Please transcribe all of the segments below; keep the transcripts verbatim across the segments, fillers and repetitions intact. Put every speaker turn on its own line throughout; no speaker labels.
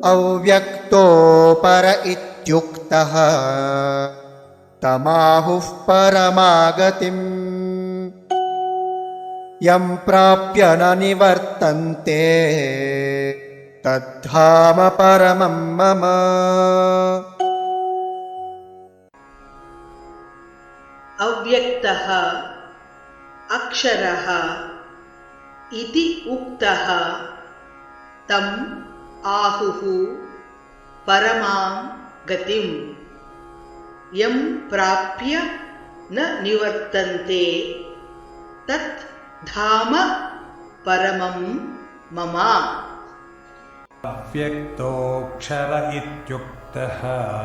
अव्यक्तोपर इत्युक्तः तमाहुः परमागतिम् यं प्राप्य न निवर्तन्ते तद्धाम परमं मम।
अव्यक्तः अक्षरः इति उक्तः तम् आहुः परमां गतिं यं प्राप्य न निवर्तन्ते तत् धाम परमं मम।
अव्यक्तोऽक्षर इत्युक्तः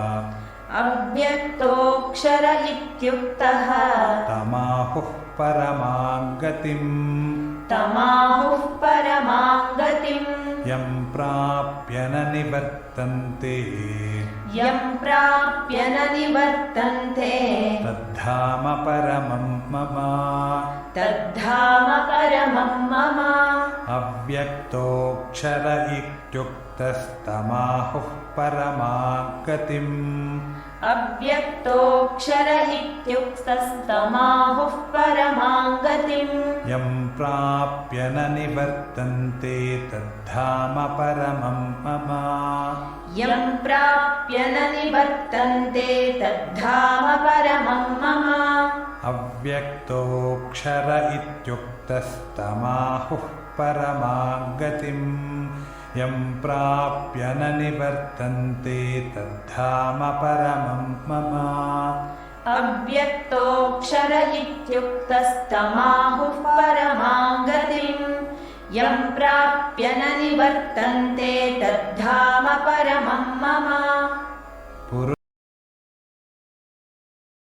अव्यक्तोऽक्षर इत्युक्तः
तमाहुः परमां गतिम्
तमाहुः परमां गतिम्
यं प्राप्य न निवर्तन्ते
यं प्राप्य न निवर्तन्ते
तद्धाम परमं मम।
तद्धाम परमं मम।
अव्यक्तोऽक्षर इत्युक्तस्तमाहुः परमां गतिम्
अव्यक्तोऽक्षर इत्युक्तस्तमाहुः परमां गतिम्
यं प्राप्य न निवर्तन्ते तद्धाम परमं मम।
यं प्राप्य न निवर्तन्ते तद्धाम परमं मम।
अव्यक्तोऽक्षर इत्युक्तस्तमाहुः परमां गतिम् यं प्राप्य न निवर्तन्ते तद्धाम परमं मम।
अव्यक्तोऽक्षर इत्युक्तस्तमाहुः परमां गतिम् यं प्राप्य न निवर्तन्ते तद्धाम परमं मम।